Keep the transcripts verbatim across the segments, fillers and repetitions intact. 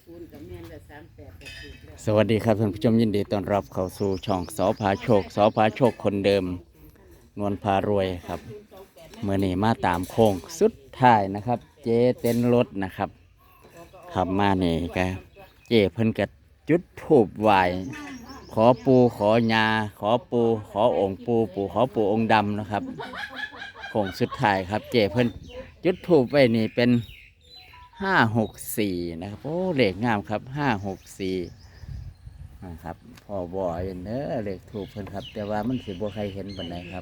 สวัสดีครับท่านผู้ชมยินดีต้อนรับเข้าสู่ช่องสอพาโชคสอพาโชคคนเดิมนวลพารวยครับเมื่อนี้มาตามโค้งสุดท้ายนะครับ เจเต้นรถนะครับขับมานี่ก็เจเพิ่นก็จุดธูปไหว้ขอปูขอยาขอปูขอองค์ปูปูขอปูองค์ดำนะครับโค้งสุดท้ายครับ เจเพิ่นจุดธูปไว้นี่เป็นห้าหกสี่นะครับโอ้เลขงามครับห้าหกสี่นะครับพ่อบ่อยเน้อเลขถูกเพิ่นครับแต่ว่ามันสิบ่ใครเห็นปานใดครับ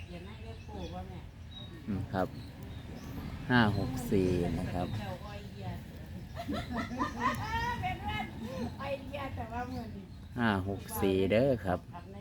อืมครับห้าหกสี่นะครับห้าหกสี่เด้อครับ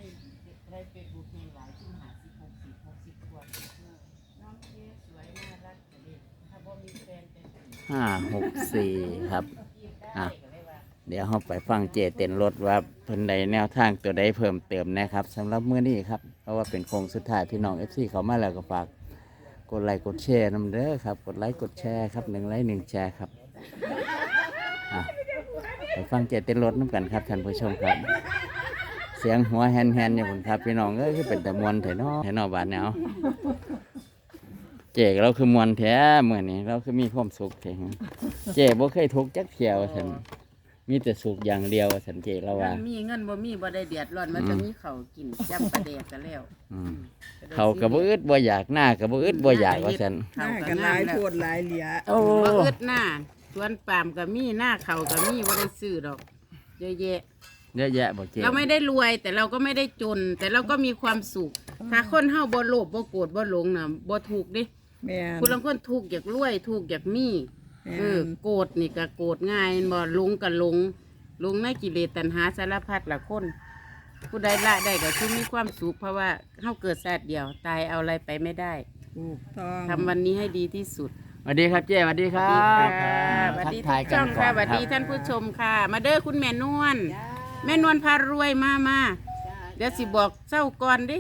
ห้าหกสี่ครับอ่ะเดี๋ยวเราไปฟังเจเต้นรถว่าเพิ่นใดแนวทางตัวใดเพิ่มเติมนะครับสำหรับมื้อนี้ครับเพราะว่าเป็นโค้งสุดท้ายพี่น้อง เอฟ ซี เขามาแล้วก็ฝากกดไลค์กดแชร์นำเด้อครับกดไลค์กดแชร์ครับหนึ่งไลค์หนึ่งแชร์ครับอ่ะไปฟังเจเต้นรถน้ำกันครับท่านผู้ชมครับเสียงหัวแฮนๆอยู่ผมครับพี่น้องเอ้ยคือเป็นแต่มวนแถวนอแถวนอบานแนวเจ๊เราคือมวนแท้เมื่อนี้เราคือมีความสุขแท้เจ๊บ่เคยทุกข์จักเที่ยวฉันมีแต่สุขอย่างเดียวฉันเจ๊เราว่ามีเงินบ่มีบ่ได้เดือดร้อนมันจะมีข้าวกินจำประเดกกันแล้วเขากระบ่อึดบ่อยากหน้ากระบ่อึดบ่อยากว่าฉันหน้ากันหลายโพดหลายเหลียโอ้บ่อึดหน้าสวนปาล์มก็มีหน้าเขาก็มีบ่ได้ซื้อดอกเยอะแยะเยอะแยะบ่เจ๊เราไม่ได้รวยแต่เราก็ไม่ได้จนแต่เราก็มีความสุขถ้าคนเฮาบ่โลภบ่โกรธบ่หลงน่ะบ่ถูกดิแม่นคุณลางคนถูกอยากรวยถูกอยากมีเออโกรธนี่ก็โกรธง่ายบ่หลงก็หลงหลงในกิเลสตัณหาสารพัดละคนผู้ใดละได้ก็คือมีความสุขเพราะว่าเฮาเกิดชาติเดียวตายเอาอะไรไปไม่ได้ถูกต้องทำวันนี้ให้ดีที่สุดสวัสดีครับเจ๊สวัสดีครับสวัสดีทุกช่องค่ะสวัสดีท่านผู้ชมค่ะมาเด้อคุณแม่นวลแม่นวลพารวยมามาเดี๋ยวสิบอกเศร้าก่อนดิ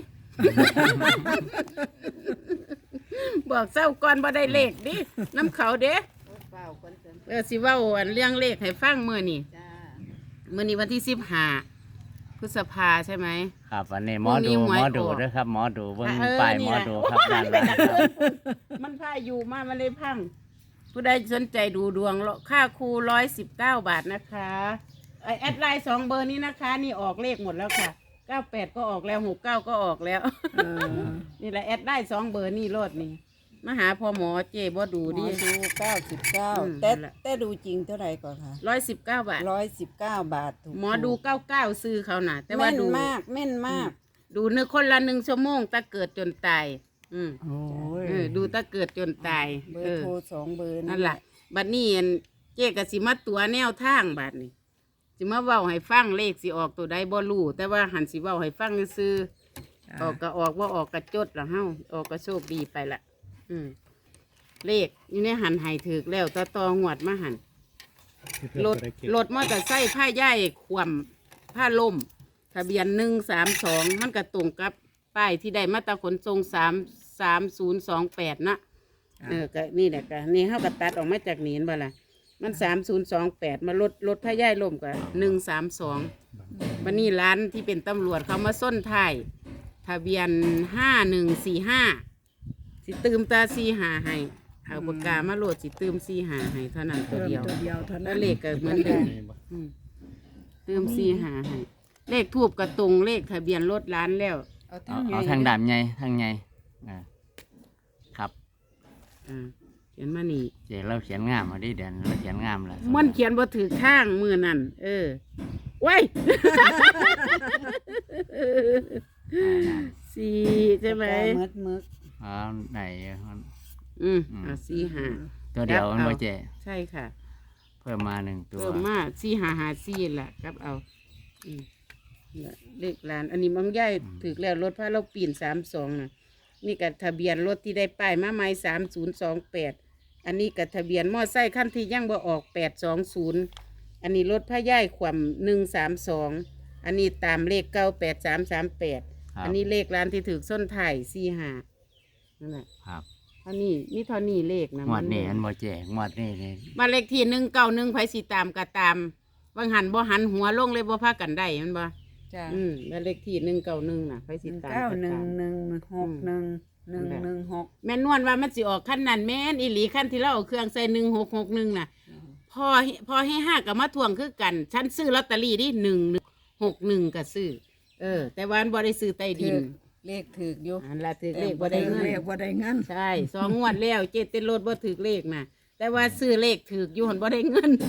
บอกเศร้าก่อนบ่ได้เลขดิน้ำเขาเด้เออสิเว้าอันเรื่องเลขให้ฟังมื้อนี้มื้อนี้วันที่สิบห้าพฤษภาใช่ไหมครับวันนี้หมอดูหมอดูด้วยครับหมอดูเบิ่งป้ายหมอดูครับด้านหลังครับมันพาอยู่มามันเลยพังผู้ใดสนใจดูดวงค่าครูร้อยสิบเก้าบาทนะคะไอแอดไลน์สองเบอร์นี้นะคะนี่ออกเลขหมดแล้วค่ะเก้าแปดก็ออกแล้วหกเก้าก็ออกแล้วนี่แหละแอดได้สองเบอร์นี่รถนี่มาหาพ่อหมอเจ๊บ่ดูดิดูเก้าสิบเก้าแต่แต่ดูจริงเท่าไหร่ก่อนคะร้อยสิบเก้าบาทร้อยสิบเก้าบาทหมอดูเก้าเก้าซื้อเขาน่ะแต่ว่าดูมากแม่นมากดูนึกคนละหนึ่งชั่วโมงตะเกิดจนตายอืมดูตะเกิดจนตายเบอร์โทรสองเบอร์นั่นแหละบัดนี้เจ๊ก็สิมาตัวแนวทางบัดนี้สิมาเว้าให้ฟังเลขสิออกตัวใดบ่รู้แต่ว่าหันสิเว้าให้ฟังซื่อออกก็ออกว่าออกกระจดละเฮาออกก็โชคดีไปละอืมเลขอยู่ในหันให้ถึกแล้วตะตองวดมาหันรถรถมอเตอร์ไซค์ผ้าย่ายขวมผ้าล่มทะเบียนหนึ่งสามสองมันก็ตรงกับป้ายที่ได้มาตราขนส่งสามสามศูนย์สองแปดนะเออก็นี่แหละก็นี่เฮาก็ตัดออกมาจากนี้บ่ล่ะมันสามศูนย์สองแปดมาลดลดผ้าย่ายล่มกับหนึ่งสามสองวันนี้ร้านที่เป็นตำรวจเขามาส้นท้ายทะเบียนห้าหนึ่งสี่ห้าสิตืมตาสี่หาให้เอาปากกามาโหลดสิตืมสี่หาให้เท่านั้นตัวเดียวแล้วเลขก็เหมือนเดิมตืมสี่หาให้เลขทูบกระตรงเลขทะเบียนรถร้านแล้วเอาทางด่านไงทางไงครับอ่าเขียนมานี่เดี๋ยวเราเขียนงามมาดิเดี๋ยวเราเขียนงามแล้วมันเขียนบ่ถือข้างมือนั่นเออไว้สี่ใช่ไหมมึกมึกอ๋อไหนอืมอ่าสี่ห้าตัวเดียวมันบ่เจ๊ใช่ค่ะเพิ่มมาหนึ่งตัวเพิ่มมาสี่ห้าห้าสี่แหละครับเอาอืมเลขร้านอันนี้มันใหญ่ถือแล้วรถพาเราปีนสามสองน่ะนี่กับทะเบียนรถที่ได้ป้ายมาใหม่สามศูนย์สองแปดอันนี้กับทะเบียนมอไซค์ขั้นที่ยังบ่ออกแปดสองศูนย์อันนี้รถพาย่ายขวมหนึ่งสามสองอันนี้ตามเลขเก้าแปดสามสามแปดอันนี้เลขร้านที่ถือส้นไถ่สี่ห้านั่นแหละครับพอันนี้มีเท่านี้เลขนะงวดนี้อันบ่เจ๊งวดนี้นี่บ้านเลขที่หนึ่งเก้าหนึ่งไผสิตามก็ตามบางหันบ่หันหัวลงเลยบ่พากันได้แมันบ่จ้ะอืมบ้านเลขที่หนึ่งเก้าหนึ่งน่ะไผหสินึ่งตามเก้าก็หนึ่งตามหนึ่งหกหนึ่งหนึ่งหนึ่งหกแม่นวลว่ามันสิออกขั้นนั้นแม่นอีหลีขั้นที่เราเอาเครื่องใส่หนึ่งหกหกหนึ่งน่ะพอพอให้ห้ากับมาทวงคือกัน ฉันซื้อลอตเตอรี่ดิหนึ่งหกหนึ่งก็ซื้อ เออ แต่วาอันบ่ได้ซื้อใต้ดินเลขถืออยู่อันละถือเลขบ่ได้เงินเลขบ่ได้เงินใช่สองงวดแล้วเจ็ดเต้นรถบ่ถือเลขน่ะ แต่ว่าซื้อเลขถืออยู่หันบ่ได้เงิน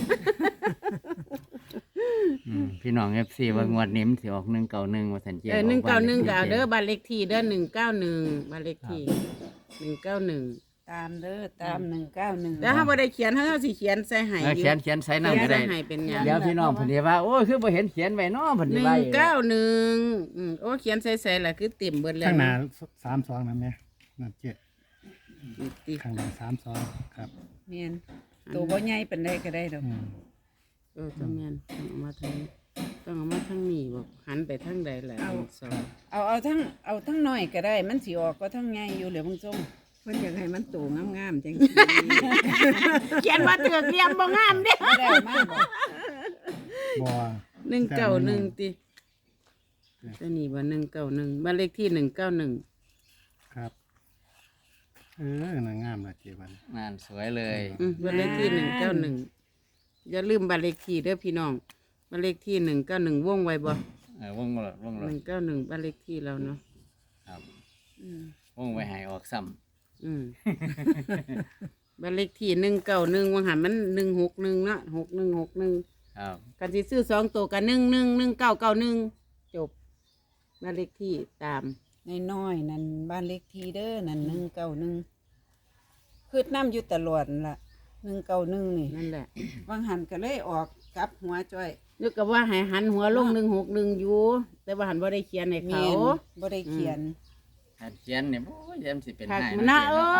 อืมพี่น้อง เอฟ ซี ว่างวดนี้มันสิออกหนึ่งเก้าหนึ่งว่าซั่นเจ๊เออหนึ่งเก้าหนึ่งก็เอาบ้เด้อบ้านเลขที่เด้อหนึ่งเก้าหนึ่งบ้านเลขที่หนึ่งเก้าหนึ่งตามเด้อตามหนึ่งเก้าหนึ่งแล้วถ้าบ่ได้เขียนถ้าเราสิเขียนใส่ให้เอออยู่เขียนเขียนใส่น้ำก็ได้เขียนใส่ให้เป็นหยังเดี๋ยวพี่น้องเพิ่นสิว่าโอ้ยคือบ่เห็นเขียนไว้เนาะเพิ่นหสินึ่งว่าอยู่เก้าหนึ่งอืมโอ้เขียนใส่ใส่ละคือเต็มเบิดแล้วข้างหน้าสามสองนั่นไหมนั่นเจ็ดนี่ติข้างหน้าสามสองครับเมียนตัวบ่ใหญ่ปานใดก็ได้ดอกอืมเออต้องแม่นต้องเอามาทางนี้ต้องเอามาทางนี้บอกหันไปทางใดล่ะหนึ่งสองเอาเอาทั้งเอาทั้งน้อยก็ได้ มันสิออกก็ทั้งใหญ่อยู่เหลือมึงส่งเพิ่นอยากให้มันโตงามๆจังเขียนว่าเถือกเรียมบ่งามเด้ไม่ได้เอามากบ่บัวหนึ่งเก้าหนึ่งติตัวนี้ว่าหนึ่งเก้าหนึ่งบ้านเลขที่หนึ่งเก้าหนึ่งครับ เออน่างามละเจ็ดวันงานสวยเลยอืมบ้านเลขที่หนึ่งเก้าหนึ่งอย่าลืมบ้านเลขที่เด้อพี่น้องบ้านเลขที่หนึ่งเก้าหนึ่งวงไว้บ่เออวงรถวงรหถนึ่งเก้าหนึ่งบ้านเลขที่เราเนาะครับอืมวงไว้ให้ออกซ้ำอืม บ้านเลขที่หนึ่งเก้าหนึ่งวังหันมันหนึ่งหกหนึ่งเนาะหกหนึ่งหกหนึ่งครับกันสิซื้อสองตัวกันหนึ่งหนึ่งหนึ่งเก้าเก้าหนึ่งจบบ้านเลขที่ตามน้อยๆนั่นบ้านเลขที่เด้อนั่นหนึ่งเก้าหนึ่งคือน้ำอยู่ตลอดนั่นล่ะหนึ่งเก้าหนึ่งนี่นั่นแหละบางหันก็เลยออกกลับหัวจ้อยนึกกับว่าให้หันหัวลงหนึ่งหกหนึ่งอยู่ แต่ว่าหันว่าได้เขียนให้เมีเขายนบ่ได้เขียนถ้าเขียนเนี่ยโอ้ยยามสิเป็นคักหายมันนะเออ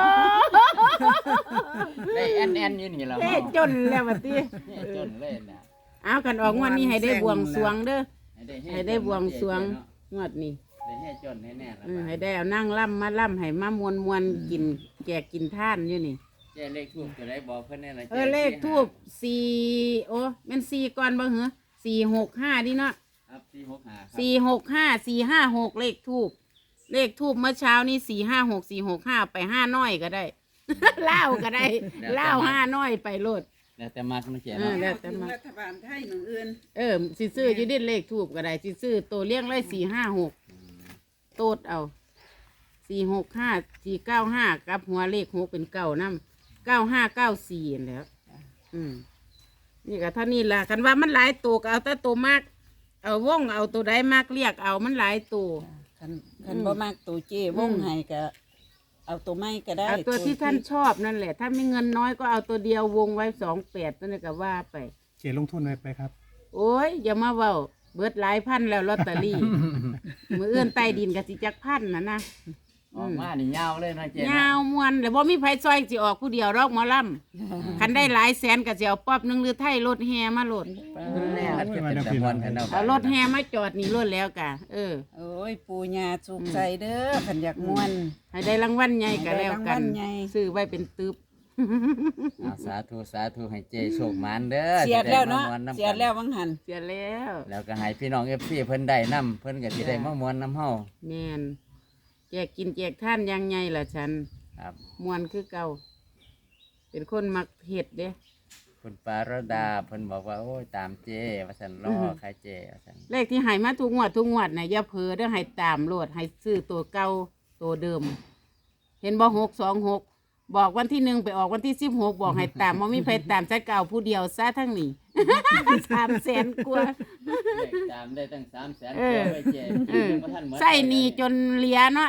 ได้แอนแอนอยู่นี่แล้วเฮ้จนแล้วบัดนี้เฮ้จนเลยน่ะเอากันออกงวดนี้ให้ได้บวงสรวงเด้อให้ได้เให้ได้บวงสรวงงวดนี้ได้เฮ็ดจนแน่ๆแล้วอืมให้ได้เอานั่งล่ำมาล่ำให้มามวนมวนๆกินแจกกินท่านอยู่นี่เจ๊เลขทูบจะได้บอกเพิ่นแน่ละเออเลขทูบสี่โอ้แม่นสี่ก่อนบ่เหรอสี่หกห้าดิเนาะครับสี่หกห้าครับสี่หกห้าสี่ห้าหกเลขทูบเลขทูบเมื่อเช้านี้สี่ห้าหกสี่หกห้าไปห้าน้อยก็ได้ เล่าก็ได้เล่าห้าน้อยไปโลดแล้วแต่มากนะเจ๊เออเนาะแล้วแต่ถึงมารัฐบาลไทยหนึ่งอื่นเออสิซื้ออยู่ดิเลขทูบก็ได้สิซื้อตัวเลี้ยงไรสี่ห้าหกโตดเอาสี่หกห้าสี่เก้าห้ากับหัวเลขหกเป็นเก้าน้ำเก้าห้าเก้าสี่แหล้ว อืมนี่ก็เท่านี้ล่ะกันว่ามันหลายตัวก็เอาแต่ตัวมาก เอาวงเอาตัวใดมากเรียกเอามันหลายตัวคันคันบ่มากตัวเจ้วงให้ก็เอาตัวไม้ก็ได้เอาตัวที่ท่านชอบนั่นแหละ ถ้ามีเงินน้อยก็เอาตัวเดียววงไว้สองแปดนั่นแหละก็ว่าไปเจ็ดลงทุนไว้ไปครับโอ้ยอย่ามาเว้าเบิดหลายพันแล้วลอตเตอรี่ มือเอื้อนใต้ดินกับสิจักพันนะนะออกมานี่ยาวเลยนะเจ๊ยาวมวนแล้วบ่มีไผซอยสิออกผู้เดียวรอกหมอลำคันได้หลายแสนก็สิเอาป๊อบหนึงหรือไทยรถแฮมาโหลดแล้วโอ้ยเป็นมาแต่เดี๋ยวมวนพี่กันน้เนาะองเอารถแฮมาจอดนี่รถแล้วกะ เออโอ้ยปูญาสุกใจเด้อขันอยากมวนให้ได้รางวัลใหญ่ก็แล้วกันให้ได้รางวัลใหญ่ซื้อไว้เป็นตึบเอาสาธุสาธุให้เจ๊โชคหมานเด้อเสียดแล้วเนาะจได้มม่วำกัเสียดแล้ววังหันเสียแล้วแล้วก็ให้พี่น้อง เอฟ ซี เพิ่นได้นํเพิ่นก็สิได้มามวนนํเฮาแม่นแจกกินแจกท่านอยังไงล่ะฉันครับมวนคือเก่า เป็นคนมักเห็ดเด้คุณปารดาเพิ่นบอกว่าโอ้ยตามเจ๊ว่าซั่นรอใครเจ๊ว่าซั่นเลขที่ใหายมาทุกงวดทุกงวดน่ะอย่าเผลอเด้อให้ตามโลดให้ซื้อตัวเก่าตัวเดิม เห็นบ่หกสองหกบอกวันที่หนึ่งไปออกวันที่สิบหกบอกให้ตามว่ามีใครตามซะเก่าผู้เดียวซะทั้งนี้ สามแสนกว่าเลขตามได้ตั้งสามแสนเออไว้เจ๊เออบ่ทันหมดใส่หนีจนเหลียเนาะ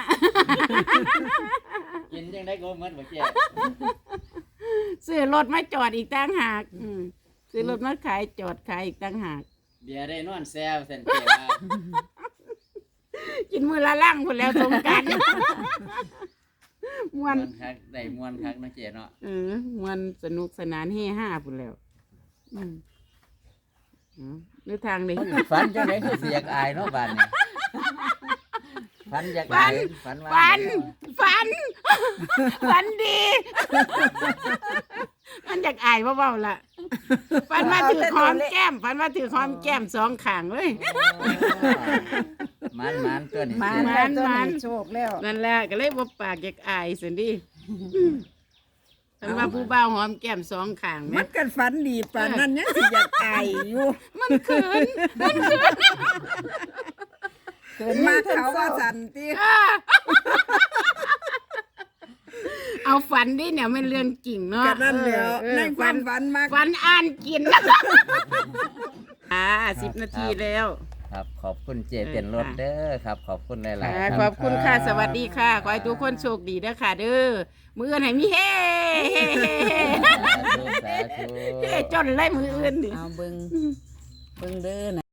กินจังได๋ก็บ่หมดบ่เจ๊ซื้อรถมาจอดอีกตั้งหากอืมซื้อรถมาขายจอดขายอีกตั้งหากเบียร์ได้นอนแซวซั่นเจ๊ว่ากินมือละล่างคนแล้วสงกราร มวม่วน นคักได้ม่วนคักเนาะเจ๊เนาะเออมวนสนุกสนานเฮฮาพุ่นแล้ว อืมอ๋อหรือทางนี้ฝันจังได๋คือสิอยากอายเนาะบาดนี้ฝันอยากฝันฝันว่าฝันฝันฝันดี มันอยากอายเบาๆล่ะฝันว่าถือหอมแก้มฝันว่าถือหอมแก้มสองข้างเลยมันมันตัวนี้มาหแล้วตัวมานี้นโชคแล้วนั่นแหละก็เลยบ่ปากอยากอายสินดิฝันว่าผู้บ่าวหอมแก้มสองข้างมัแม่นกันฝันดีปานนั้นยังสิอยากอายอยู่มันเขินเกินมามาเขาเขาว่าว่าสันติเอาฝันดิเนี่ยมันเรื่องจริงเนาะกันนั่นแหล้วเออในคฝัวาน มฝันมากฝันอ่านกิน อ่าสิบนาทีแล้วครับขอบคุณเจเตียนรถเด้อครับ ขอบคุณหลายค่ะๆขอบคุณค่ะ สวัสดีค่ะ ขอให้ทุกคนโชคดีเด้อค่ะ เด้อมืออื่นให้มีเฮ้เฮ้เฮ้เฮ้สาธุสาธุเฮ้จนเลยมืออื่นนี่เอาเบิ่งเบิ่งเด้อนะ